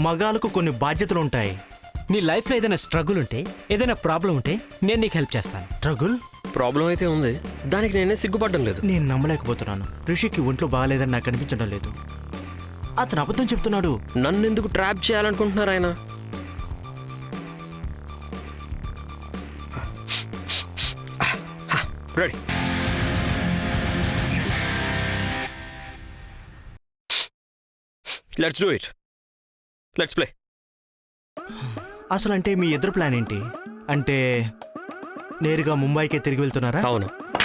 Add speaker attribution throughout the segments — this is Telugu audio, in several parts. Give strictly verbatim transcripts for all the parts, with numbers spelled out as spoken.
Speaker 1: మగాలకు కొన్ని బాధ్యతలు ఉంటాయి.
Speaker 2: నీ లైఫ్లో ఏదైనా స్ట్రగుల్ ఉంటే, ఏదైనా ప్రాబ్లం ఉంటే నేను నీకు హెల్ప్ చేస్తాను.
Speaker 1: ట్రగుల్
Speaker 3: ప్రాబ్లం అయితే ఉంది, దానికి నేనే సిగ్గుపడడం లేదు.
Speaker 1: నేను నమ్మలేకపోతున్నాను. ఋషికి ఒంట్లో బాగాలేదని నాకు అనిపించడం లేదు. అతను అబద్ధం చెప్తున్నాడు.
Speaker 3: నన్ను ఎందుకు ట్రాప్ చేయాలనుకుంటున్నారు ఆయన? Ready. Let's do it. Let's play.
Speaker 1: అసలు అంటే మీ ఇద్దరు ప్లాన్ ఏంటి? అంటే నేరుగా ముంబైకే తిరిగి వెళ్తున్నారా?
Speaker 3: అవును.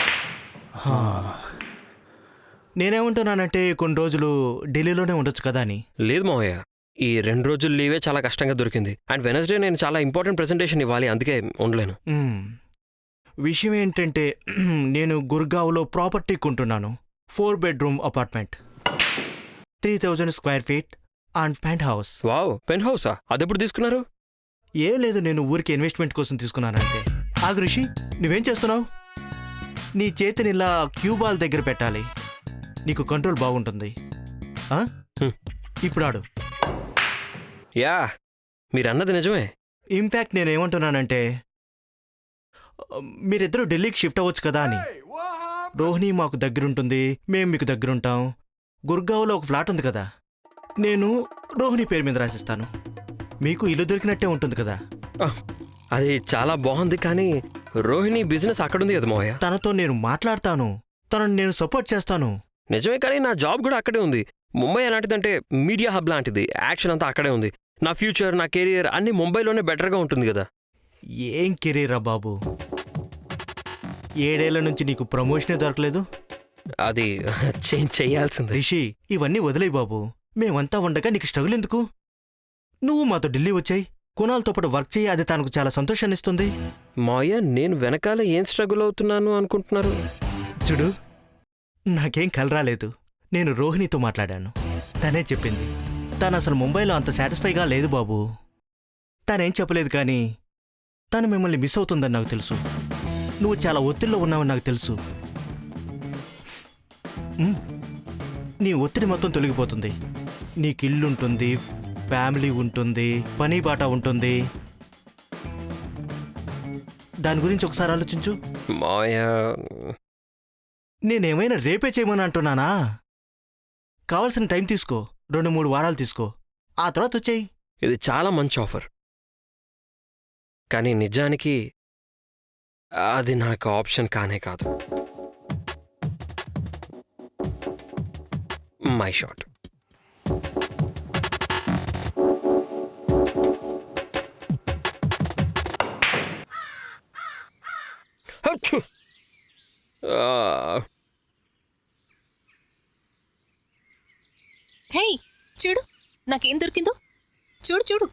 Speaker 1: నేనేమంటున్నానంటే కొన్ని రోజులు ఢిల్లీలోనే ఉండొచ్చు కదా అని.
Speaker 3: లేదు మావయ్య, ఈ రెండు రోజులు లీవే చాలా కష్టంగా దొరికింది. అండ్ వెనస్డే నేను చాలా ఇంపార్టెంట్ ప్రెజెంటేషన్ ఇవ్వాలి, అందుకే ఉండలేను.
Speaker 1: మ్మ్. విషయం ఏంటంటే నేను గుర్గావ్లో ప్రాపర్టీ కొంటున్నాను. Four bedroom apartment, three thousand square feet and penthouse.
Speaker 3: Wow, పెన్ హౌసా? అదెప్పుడు తీసుకున్నారు?
Speaker 1: ఏం లేదు, నేను ఊరికి ఇన్వెస్ట్మెంట్ కోసం తీసుకున్నానంటే. ఆగు రిషి, నువ్వేం చేస్తున్నావు? నీ చేతిని ఇలా క్యూ బాల్ దగ్గర పెట్టాలి, నీకు కంట్రోల్ బాగుంటుంది. ఆ?
Speaker 3: హ్మ్.
Speaker 1: ఇప్పుడు ఆడు.
Speaker 3: యా, మీరన్నది నిజమే.
Speaker 1: ఇన్ఫ్యాక్ట్ నేనేమంటున్నానంటే మీరిద్దరూ ఢిల్లీకి షిఫ్ట్ అవ్వచ్చు కదా అని. రోహిణి మాకు దగ్గరుంటుంది, మేం మీకు దగ్గరుంటాం. గుర్గావ్లో ఒక ఫ్లాట్ ఉంది కదా, నేను రోహిణి పేరు మీద రాసిస్తాను. మీకు ఇల్లు దొరికినట్టే ఉంటుంది కదా.
Speaker 3: ఆ, అది చాలా బాగుంది, కానీ రోహిణి బిజినెస్ అక్కడుంది కదా మావయ్య.
Speaker 1: తనతో నేను మాట్లాడతాను, తనను నేను సపోర్ట్ చేస్తాను.
Speaker 3: నిజమే, కానీ నా జాబ్ కూడా అక్కడే ఉంది. ముంబై ఎలాంటిదంటే మీడియా హబ్ లాంటిది, యాక్షన్ అంతా అక్కడే ఉంది. నా ఫ్యూచర్, నా కెరియర్ అన్నీ ముంబైలోనే బెటర్గా ఉంటుంది కదా.
Speaker 1: ఏం కెరీరా బాబు, ఏడేళ్ల నుంచి నీకు ప్రమోషనే దొరకలేదు.
Speaker 3: అది చేంజ్ చేయాల్సింది.
Speaker 1: రిషి, ఇవన్నీ వదిలేయి బాబు. మేమంతా ఉండగా నీకు స్ట్రగుల్ ఎందుకు? నువ్వు మాతో ఢిల్లీ వచ్చాయి, కునాల్తో పాటు వర్క్ చేయి, అది తనకు చాలా సంతోషాన్ని ఇస్తుంది.
Speaker 3: మావయ్య, నేను వెనకాల ఏం స్ట్రగుల్ అవుతున్నాను అనుకుంటున్నారు?
Speaker 1: చూడు, నాకేం కలరాలేదు. నేను రోహిణితో మాట్లాడాను, తనే చెప్పింది. తను అసలు ముంబైలో అంత సాటిస్ఫైగా లేదు బాబు. తనేం చెప్పలేదు, కానీ తను మిమ్మల్ని మిస్ అవుతుందని నాకు తెలుసు. నువ్వు చాలా ఒత్తిడిలో ఉన్నావని నాకు తెలుసు. ఉమ్, నీ ఒత్తిడి మొత్తం తొలగిపోతుంది. నీకు ఇల్లుంటుంది, ఫ్యామిలీ ఉంటుంది, పని బాట ఉంటుంది. దాని గురించి ఒకసారి ఆలోచించు.
Speaker 3: మావయ్య,
Speaker 1: నేనేమైనా రేపే చేయమని అంటున్నానా? కావాల్సిన టైం తీసుకో, రెండు మూడు వారాలు తీసుకో, ఆ తర్వాత వచ్చేయి.
Speaker 3: ఇది చాలా మంచి ఆఫర్, కానీ నిజానికి అది నాకు ఆప్షన్ కానే కాదు. My shot.
Speaker 4: హే, చూడు నాకేం దొరికిందో. చూడు చూడు.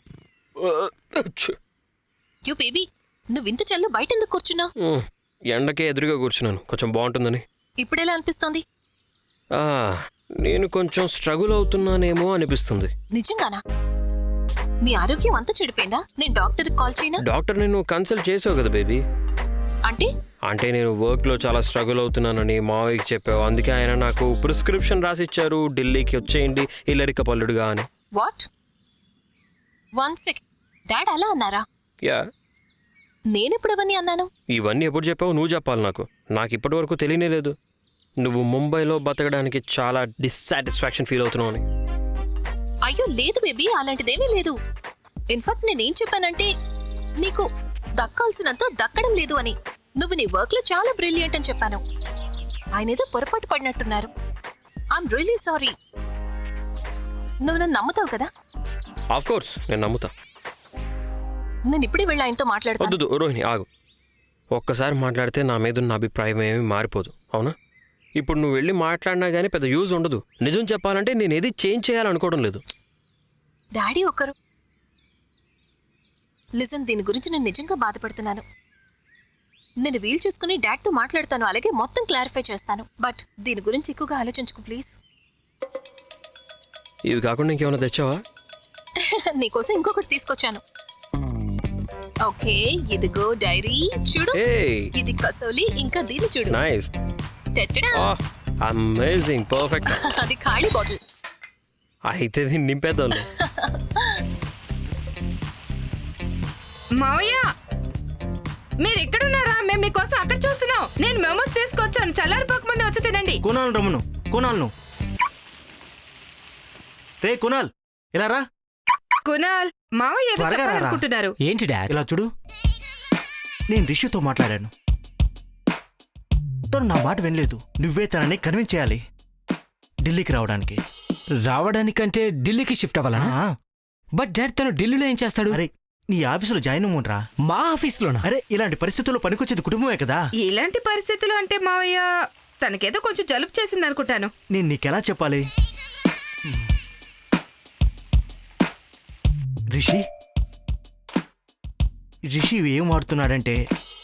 Speaker 4: యూ బేబీ, నువ్వింత చల్ల బయట ఎందుకు కూర్చున్నావు?
Speaker 3: ఎండకే ఎదురుగా కూర్చున్నాను, కొంచెం బాగుంటుందని.
Speaker 4: ఇప్పుడెలా అనిపిస్తోంది?
Speaker 3: ఆ, నేను కొంచెం స్ట్రగుల్ అవుతున్నానేమో అనిపిస్తుంది.
Speaker 4: నిజంగానా? నీ ఆరోగ్యం అంతా చెడిపోయిందా? నేను డాక్టర్కి కాల్ చేయనా?
Speaker 3: డాక్టర్ నేను కన్సల్ట్ చేసావు కదా బేబీ.
Speaker 4: అంటే
Speaker 3: అంటే నేను వర్క్లో చాలా స్ట్రగుల్ అవుతున్నానని మావయ్యకి చెప్పావు, అందుకే ఆయన నాకు ప్రిస్క్రిప్షన్ రాసిచ్చారు, ఢిల్లీకి వచ్చేయండి ఇల్లరిక పల్లుడుగా అని.
Speaker 4: వాట్? వన్ సెకండ్, డాడ్ అలా అన్నారా?
Speaker 3: యా.
Speaker 4: నేనెప్పుడు అవన్నీ అన్నాను?
Speaker 3: ఇవన్నీ ఎప్పుడు చెప్పావు? నువ్వు చెప్పాలి నాకు. నాకు ఇప్పటి వరకు తెలియనే లేదు నువ్వు ముంబైలో బతకడానికి చాలా డిస్సాటిస్ఫాక్షన్ ఫీల్ అవుతున్నావు అని.
Speaker 4: అయ్యో లేదు బేబీ, అలాంటిదేమీ లేదు. ఇన్ఫాక్ట్ నేనేం చెప్పానంటే నీకు దక్కాల్సినంత దక్కడం లేదు అని. నువ్వు నీ వర్క్ లో చాలా బ్రిలియంట్ అని చెప్పాను. ఆయన ఏదో పొరపాటు పడినట్టున్నారు. I'm really sorry. నువ్వు నన్ను నమ్ముతావు కదా?
Speaker 3: ఆఫ్ కోర్స్ నేను నమ్ముతా.
Speaker 4: నేను ఇప్పుడే వెళ్ళి ఆయనతో మాట్లాడతాను.
Speaker 3: వద్దు రోహిణి, ఆగు. ఒక్కసారి మాట్లాడితే నా మీద ఉన్న అభిప్రాయం ఏమీ మారిపోదు, అవునా? ఇప్పుడు నువ్వు వెళ్ళి మాట్లాడినా కానీ పెద్ద యూజ్ ఉండదు. నిజం చెప్పాలంటే నేను ఏది చేంజ్ చేయాలనుకోవడం లేదు.
Speaker 4: డాడీ ఒకరు లిజన్, దీని గురించి నేను నిజంగా బాధపడుతున్నాను. నేను వీలు చూసుకుని డాడ్తో మాట్లాడతాను, అలాగే మొత్తం క్లారిఫై చేస్తాను. బట్ దీని గురించి ఎక్కువగా ఆలోచించుకో ప్లీజ్.
Speaker 3: ఇది కాకుండా ఇంకేమైనా తెచ్చావా?
Speaker 4: నీకోసం ఇంకొకటి తీసుకొచ్చాను. ఓకే, ఇదిగో డైరీ చూడు. ఇది కసోలి, ఇంకా దీన్ని చూడు.
Speaker 3: నైస్.
Speaker 4: టెట్టడా.
Speaker 3: Amazing, perfect.
Speaker 4: అది ఖాళీ బాటిల్.
Speaker 3: అయితే దీన్ని నింపేద్దాం.
Speaker 5: మావయ్య మీరు ఎక్కడున్నారా? మేము మీకోసం అక్కడ చూస్తున్నాం. నేను మెమోస్ తీసుకొచ్చాను, చల్లారిపోక ముందే వచ్చి తినండి.
Speaker 1: కునాల్ రమ్మను, కునాల్ను. రే కునాల్, ఇలా రా.
Speaker 5: కునాల్, మావయ్య ఏదో
Speaker 1: త్వరగా రారా.
Speaker 5: చెప్పాలనుకుంటున్నారు.
Speaker 2: ఏంటి డాడ్?
Speaker 1: ఇలా చూడు, నేను రిషితో మాట్లాడాను. తను నా మాట వినలేదు. నువ్వే తనని కన్విన్స్ చేయాలి ఢిల్లీకి రావడానికి.
Speaker 2: రావడానికంటే ఢిల్లీకి షిఫ్ట్ అవ్వాలా?
Speaker 1: ఆ,
Speaker 2: బట్ డాడ్ తను ఢిల్లీలో ఏం చేస్తాడు?
Speaker 1: అరే నీ ఆఫీసులో జాయిన్ అవ్వరా?
Speaker 2: మా ఆఫీస్లోనా?
Speaker 1: అరే ఇలాంటి పరిస్థితుల్లో పనికొచ్చేది కుటుంబమే కదా.
Speaker 5: ఇలాంటి పరిస్థితులు అంటే మావయ్య తనకేదో కొంచెం జలుబు చేసింది అనుకుంటాను.
Speaker 1: నేను నీకెలా చెప్పాలి? రిషి రిషి ఏం వాడుతున్నాడంటే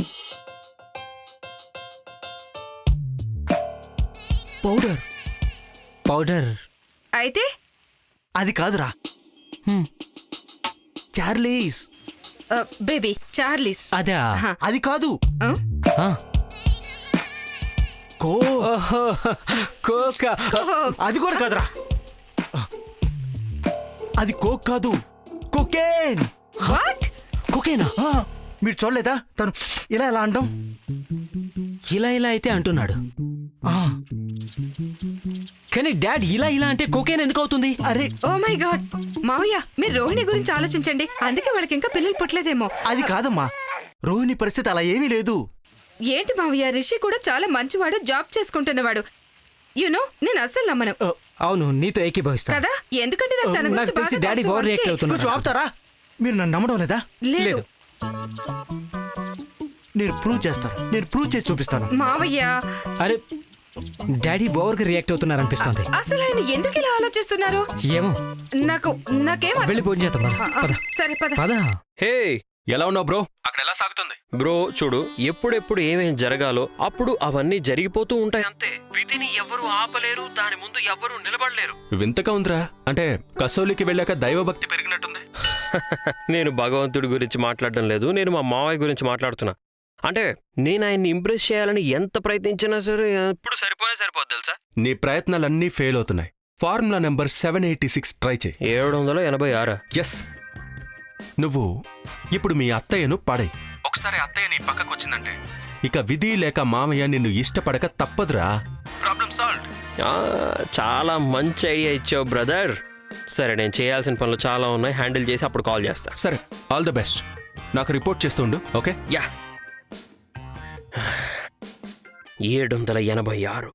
Speaker 1: పౌడర్.
Speaker 2: పౌడర్?
Speaker 5: అయితే
Speaker 1: అది కాదురా,
Speaker 2: హ్మ్.
Speaker 1: చార్లీస్.
Speaker 5: ఆ, బేబీ చార్లీస్.
Speaker 2: అదా?
Speaker 5: ఆహా.
Speaker 1: అది కాదు,
Speaker 5: ఆ?
Speaker 2: ఆ.
Speaker 1: కో.
Speaker 2: ఓహో, కోకా.
Speaker 5: ఓహో,
Speaker 1: అది కూడా కాదురా, అది కోక్ కాదు, కోకేన్.
Speaker 5: వాట్?
Speaker 2: కోకేనా?
Speaker 1: ఆ, మీరు చూడలేదా తను ఇలా ఎలా అంటాం?
Speaker 2: ఇలా ఇలా అయితే అంటున్నాడు.
Speaker 1: ఆ,
Speaker 2: కానీ డాడ్ ఇలా ఇలా అంటే కోకేన్ ఎందుకు అవుతుంది?
Speaker 1: అరే
Speaker 5: ఓ మై గాడ్. మావయ్య మీరు రోహిణి గురించి ఆలోచించండి. అందుకే వాళ్ళకి ఇంకా పిల్లలు పుట్టలేదేమో.
Speaker 1: అది కాదమ్మా, రోహిణి పరిస్థితి అలా ఏమీ లేదు.
Speaker 5: ఏంటి మావయ్య, రిషి కూడా చాలా మంచివాడు, జాబ్ చేసుకుంటున్నవాడు. యునో నేను అస్సలు నమ్మను.
Speaker 1: ఆ,
Speaker 2: అవును, నీతో ఏకీభవిస్తా.
Speaker 5: కదా, ఎందుకంటే నాకు తన
Speaker 2: నాకు
Speaker 5: గురించి
Speaker 2: తెలిసి
Speaker 5: బాగా
Speaker 2: డాడీ
Speaker 5: తెలుసు
Speaker 2: ఓవర్ రియాక్ట్
Speaker 5: అందుకే.
Speaker 2: అవుతున్నాడు.
Speaker 1: కొంచెం ఆపుతారా? మీరు నన్ను నమ్మడం లేదా?
Speaker 5: లేదు
Speaker 2: లేదు.
Speaker 1: నేను ప్రూవ్ చేస్తాను, నేను ప్రూవ్ చేసి చూపిస్తాను.
Speaker 5: మావయ్య,
Speaker 2: అరే డాడీ ఓవర్గా రియాక్ట్ అవుతున్నారు అనిపిస్తోంది.
Speaker 5: అసలు ఆయన ఎందుకు ఇలా ఆలోచిస్తున్నారు?
Speaker 2: ఏమో,
Speaker 5: నాకు నాకేం అర్థం-
Speaker 2: వెళ్ళి భోజనం చేద్దాం. పద.
Speaker 5: ఆ, ఆ,
Speaker 2: పద.
Speaker 5: సరే పద.
Speaker 2: పద.
Speaker 3: హే
Speaker 6: ఎలా ఉన్నావు బ్రో? అక్కడ ఎలా సాగుతుంది?
Speaker 3: బ్రో చూడు, ఎప్పుడెప్పుడు ఏమేం జరగాలో అప్పుడు అవన్నీ జరిగిపోతూ ఉంటాయి అంతే. విధిని ఎవరు ఆపలేరు, దాని ముందు ఎవరు నిలబడలేరు.
Speaker 6: వింతగా ఉందిరా. అంటే కసోలికి వెళ్ళాక దైవభక్తి పెరిగినట్టుంది.
Speaker 3: నేను భగవంతుడి గురించి మాట్లాడడం లేదు, నేను మా మావయ్య గురించి మాట్లాడుతున్నా. అంటే నేను ఆయన్ని ఇంప్రెస్ చేయాలని ఎంత ప్రయత్నించినా సరే ఎప్పుడు సరిపోనే సరిపోద్ది తెలుసా.
Speaker 6: నీ ప్రయత్నాలన్నీ ఫెయిల్ అవుతున్నాయి. Formula number seven eighty six try చేయి.
Speaker 3: ఏడు వందల ఎనభై ఆరా
Speaker 6: ఎస్, నువ్వు ఇప్పుడు మీ అత్తయ్యను పడై. ఒకసారి అత్తయ్య నీ పక్కకు వచ్చిందంటే ఇక విధి లేక మామయ్య నిన్ను ఇష్టపడక తప్పదురా. Problem solve.
Speaker 3: ఆ, చాలా మంచి ఐడియా ఇచ్చావు బ్రదర్. సరే, నేను చేయాల్సిన పనులు చాలా ఉన్నాయి, హ్యాండిల్ చేసి అప్పుడు కాల్ చేస్తా.
Speaker 6: సరే, ఆల్ ద బెస్ట్. నాకు రిపోర్ట్ చేస్తుండు. ఓకే?
Speaker 3: యా. ఏడు వందల ఎనభై ఆరు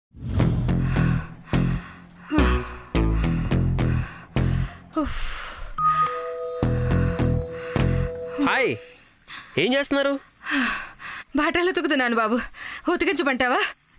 Speaker 3: హాయ్, ఏం చేస్తున్నారు?
Speaker 5: బాటలు ఉతుకుతున్నాను బాబు, ఉతికించమంటావా?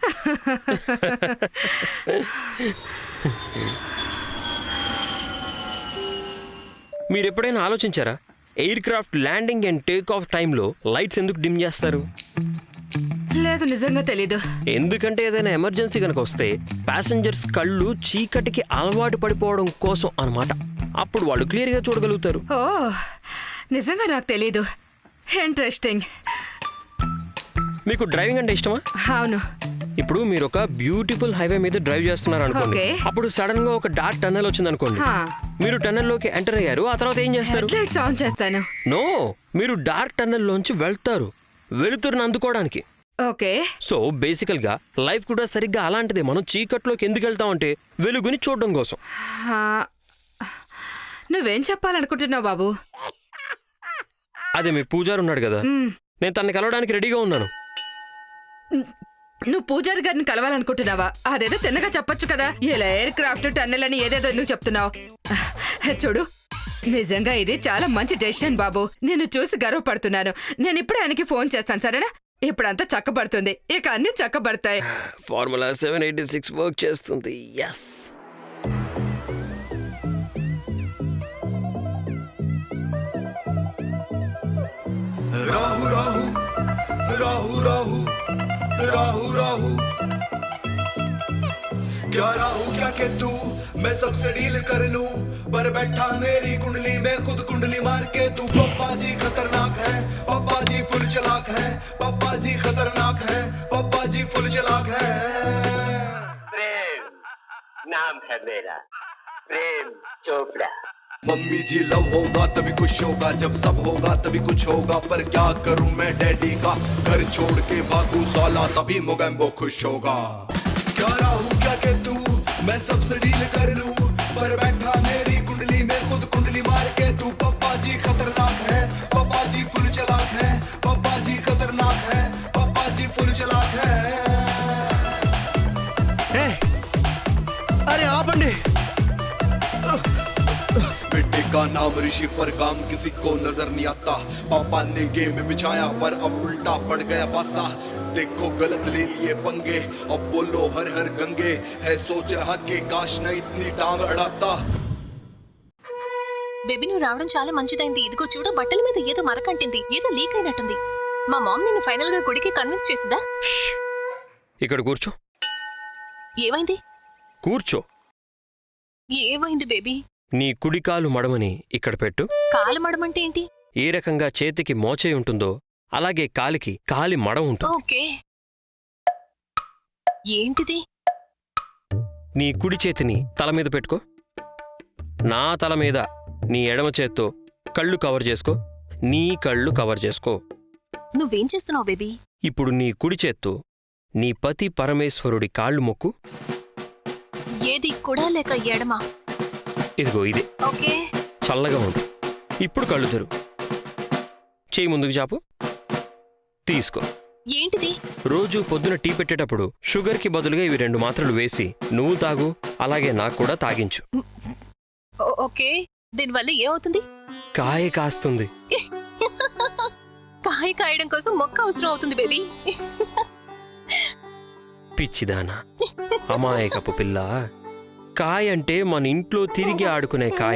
Speaker 3: మీరు ఎప్పుడైనా ఆలోచించారా, aircraft landing and take off టైంలో లైట్స్ ఎందుకు డిమ్ చేస్తారు?
Speaker 5: లేదు, నిజంగా తెలీదు.
Speaker 3: ఎందుకంటే ఏదైనా ఎమర్జెన్సీ కనుక వస్తే ప్యాసింజర్స్ కళ్ళు చీకటికి అలవాటు పడిపోవడం కోసం అన్నమాట. అప్పుడు వాళ్ళు క్లియర్గా చూడగలుగుతారు.
Speaker 5: ఓ, నిజంగా నాకు తెలీదు. ఇంట్రెస్టింగ్.
Speaker 3: మీకు డ్రైవింగ్ అంటే ఇష్టమా?
Speaker 5: అవును.
Speaker 3: ఇప్పుడు మీరు ఒక బ్యూటిఫుల్ హైవే మీద డ్రైవ్ చేస్తున్నారు అనుకోండి.
Speaker 5: Okay.
Speaker 3: అప్పుడు సడన్ గా ఒక డార్క్ టన్నెల్ వచ్చింది అనుకోండి.
Speaker 5: హా.
Speaker 3: మీరు టన్నెల్ లోకి ఎంటర్ అయ్యారు, ఆ తర్వాత ఏం చేస్తారు?
Speaker 5: హెడ్లైట్స్ ఆన్ చేస్తాను.
Speaker 3: నో, మీరు డార్క్ టన్నెల్ లోంచి వెళ్తారు, వెలుతురుని అందుకోవడానికి.
Speaker 5: ఓకే.
Speaker 3: సో బేసికల్ గా లైఫ్ కూడా సరిగ్గా అలాంటిదే. మనం చీకట్లోకి ఎందుకు వెళ్తామంటే వెలుగుని చూడడం కోసం.
Speaker 5: హా. నువ్వేం చెప్పాలనుకుంటున్నావు బాబు?
Speaker 3: అదే మీ పూజారి ఉన్నాడు కదా,
Speaker 5: మ్,
Speaker 3: నేను తనని కలవడానికి రెడీగా ఉన్నాను.
Speaker 5: నువ్వు పూజారి గారిని కలవాలనుకుంటున్నావా? అదేదో తిన్నగా చెప్పొచ్చు కదా. ఇలా ఎయిర్ క్రాఫ్ట్ టన్నెల్ అని ఏదేదో ఎందుకు చెప్తున్నావు? చూడు, నిజంగా ఇది చాలా మంచి డెసిషన్ బాబు. నేను చూసి గర్వపడుతున్నాను. నేను ఇప్పుడే ఆయనకి ఫోన్ చేస్తాను, సరేనా? ఇప్పుడంతా చక్కబడుతుంది, ఇక అన్ని చక్కబడతాయి.
Speaker 3: Formula seven eighty six work చేస్తుంది. ఎస్.
Speaker 7: राहु राहु राहु राहु राहु राहु क्या राहु क्या के तू मैं सबसे डील कर लूं, पर बैठा मेरी कुंडली में खुद कुंडली मार के तू। पप्पा जी खतरनाक है, पप्पा जी फुल चलाक है, पप्पा जी खतरनाक है, पप्पा जी फुल चलाक है।
Speaker 8: प्रेम नाम है मेरा, प्रेम चोपड़ा।
Speaker 7: मम्मी जी लव होगा तभी खुश होगा, जब सब होगा तभी कुछ होगा, पर क्या करूं मैं डैडी का, घर छोड़ के भागू साला तभी मोगैम्बो खुश होगा। क्या राहू क्या के तू मैं सबसे डील कर लूं, पर बैठा मेरी कुंडली में खुद कुंडली मार के तू, पप्पा जी खतरनाक है, पप्पा जी फुल चलाक है, पप्पा जी खतरनाक है, पप्पा जी फुल चलाक है।
Speaker 1: ఏ అరే ఆపండి.
Speaker 7: बेटे का नाम ऋषि पर काम किसी को नजर नहीं आता, पापा ने गेम बिछाया पर अब उल्टा पड़ गया पासा, देखो गलत ले लिए पंगे अब बोलो हर हर गंगे, है सोच रहा के काश न इतनी टांग अड़ाता।
Speaker 4: బేబీ నువ్వు రావడం చాలా మంచిదైంది. ఇదిగో చూడు, బట్టల మీద ఏదో మరకంటింది, ఏదో లీక్ అయినట్టుంది. మా మామ్ నిన్ను ఫైనల్ గా గుడికి కన్విన్స్ చేసిందా?
Speaker 3: ఇక్కడ కూర్చో,
Speaker 4: ఏమైంది?
Speaker 3: కూర్చో.
Speaker 4: ఏమైంది బేబీ?
Speaker 3: నీ కుడికాలు మడమని ఇక్కడ పెట్టు.
Speaker 4: కాలు మడమంటే ఏంటి?
Speaker 3: ఏ రకంగా చేతికి మోచే ఉంటుందో అలాగే కాలికి కాలి మడం ఉంటుంది.
Speaker 4: ఓకే. ఏంటిది?
Speaker 3: నీ కుడి చేతిని తల మీద పెట్టుకో. నా తల మీద నీ ఎడమ చేత్తో కళ్ళు కవర్ చేసుకో. నీ కళ్ళు కవర్ చేసుకో.
Speaker 4: నువ్వేం చేస్తున్నావు బేబీ?
Speaker 3: ఇప్పుడు నీ కుడి చేత్తో నీ పతి పరమేశ్వరుడి కాళ్ళు మొక్కు.
Speaker 4: ఏది కుడా లేక ఎడమా?
Speaker 3: ఇదిగో ఇదే.
Speaker 4: ఓకే.
Speaker 3: చల్లగా ఉండు. ఇప్పుడు కళ్ళు తెరు. చేయి ముందుకు చాపు. తీసుకో.
Speaker 4: ఏంటిది?
Speaker 3: రోజు పొద్దున టీ పెట్టేటప్పుడు షుగర్కి బదులుగా ఇవి రెండు మాత్రలు వేసి నువ్వు తాగు, అలాగే నాకు కూడా తాగించు.
Speaker 4: ఓ- ఓకే. దీనివల్ల ఏమవుతుంది?
Speaker 3: కాయ కాస్తుంది.
Speaker 4: కాయ కాయడం కోసం మొక్క అవసరం అవుతుంది బేబీ.
Speaker 3: పిచ్చిదానా, అమాయకపు పిల్ల. కాయ అంటే మన ఇంట్లో తిరిగి ఆడుకునే కాయ.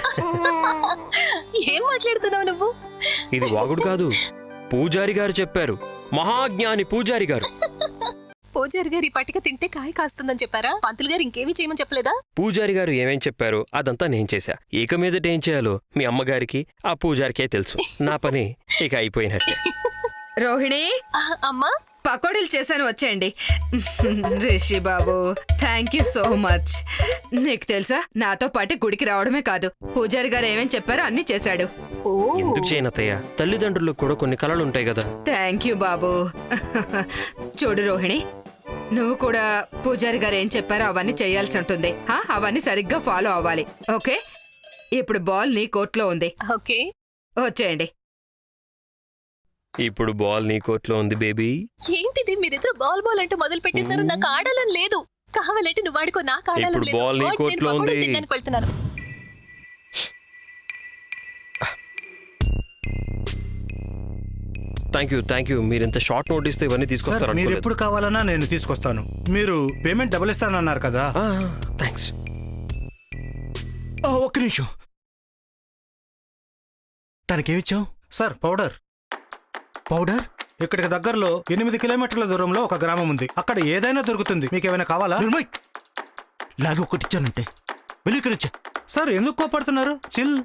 Speaker 4: ఏం మాట్లాడుతున్నావు నువ్వు?
Speaker 3: ఇది వాగుడు కాదు, పూజారి గారు చెప్పారు. మహాజ్ఞాని పూజారి గారు.
Speaker 4: పూజారి గారు ఈ పట్టిక తింటే కాయ కాస్తుందని చెప్పారా? పంతులు గారు ఇంకేమీ చేయమని చెప్పలేదా?
Speaker 3: పూజారి గారు ఏమేం చెప్పారో అదంతా నేను చేశా. ఇక మీదట ఏం చేయాలో మీ అమ్మగారికి ఆ పూజారికే తెలుసు. నా పని ఇక అయిపోయినట్టే.
Speaker 5: రోహిణి,
Speaker 4: ఆ, అమ్మా
Speaker 5: పకోడీలు చేశాను, వచ్చేయండి. రిషి బాబు, థ్యాంక్ యూ సో మచ్. నీకు తెలుసా, నాతో పాటు గుడికి రావడమే కాదు, పూజారి గారు ఏమేం చెప్పారో అన్ని చేశాడు.
Speaker 4: ఓ
Speaker 3: ఎందుకు చేయనత్తయ్య? తల్లిదండ్రులకు కూడా కొన్ని కళలు ఉంటాయి కదా.
Speaker 5: థ్యాంక్ యూ బాబు. చూడు రోహిణి, నువ్వు కూడా పూజారి గారు ఏం చెప్పారో అవన్నీ చేయాల్సి ఉంటుంది. హా, అవన్నీ సరిగ్గా ఫాలో అవ్వాలి. ఓకే. ఇప్పుడు బాల్ నీ కోర్టులో ఉంది,
Speaker 4: ఓకే.
Speaker 5: వచ్చేయండి.
Speaker 3: ఇప్పుడు బాల్ నీ కోర్టులో ఉంది బేబీ.
Speaker 4: ఏంటిది మీరిద్దరు బాల్ బాల్ అంటే మొదలు పెట్టేశారు? నాకు ఆడాలని లేదు. కావాలంటే నువ్వు ఆడుకో, నాకు ఆడాలని
Speaker 3: ఇప్పుడు
Speaker 4: లేదు.
Speaker 3: బాల్ నీ
Speaker 4: God, నేను
Speaker 3: కోర్టులో
Speaker 4: పకోడీ
Speaker 3: ఉంది.
Speaker 4: తినడానికి వెళ్తున్నాను.
Speaker 3: థ్యాంక్ యూ థ్యాంక్ యూ మీరు ఇంత షార్ట్ నోటీస్తో ఇవన్నీ
Speaker 1: సార్
Speaker 3: తీసుకొస్తారు
Speaker 1: మీరు
Speaker 3: అనుకోలేదు.
Speaker 1: ఎప్పుడు కావాలన్నా నేను తీసుకొస్తాను. మీరు పేమెంట్ డబుల్ ఇస్తానన్నారు కదా.
Speaker 3: థ్యాంక్స్.
Speaker 1: ఆ, ఒక్క నిమిషం. తనకేమిచ్చావు? Sir powder. పౌడర్ ఇక్కడికి దగ్గరలో ఎనిమిది కిలోమీటర్ల దూరంలో ఒక గ్రామం ఉంది. అక్కడ ఏదైనా దొరుకుతుంది. మీకు ఏమైనా కావాలా? నిర్మయ్, లాగి ఒకటి ఇచ్చానంటే వెళ్ళి ఇక్కడ వచ్చా. సార్ ఎందుకు కోపడుతున్నారు? చిల్.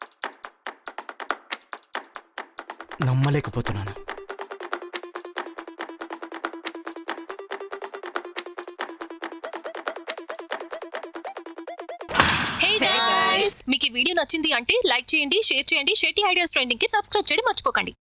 Speaker 1: నమ్మలేకపోతున్నాను.
Speaker 4: హే గైస్, మీకు ఈ వీడియో నచ్చింది అంటే లైక్ చేయండి, షేర్ చేయండి. షెట్టి ఐడియాస్ ట్రెండింగ్ కి సబ్స్క్రైబ్ చేయడం మర్చిపోకండి.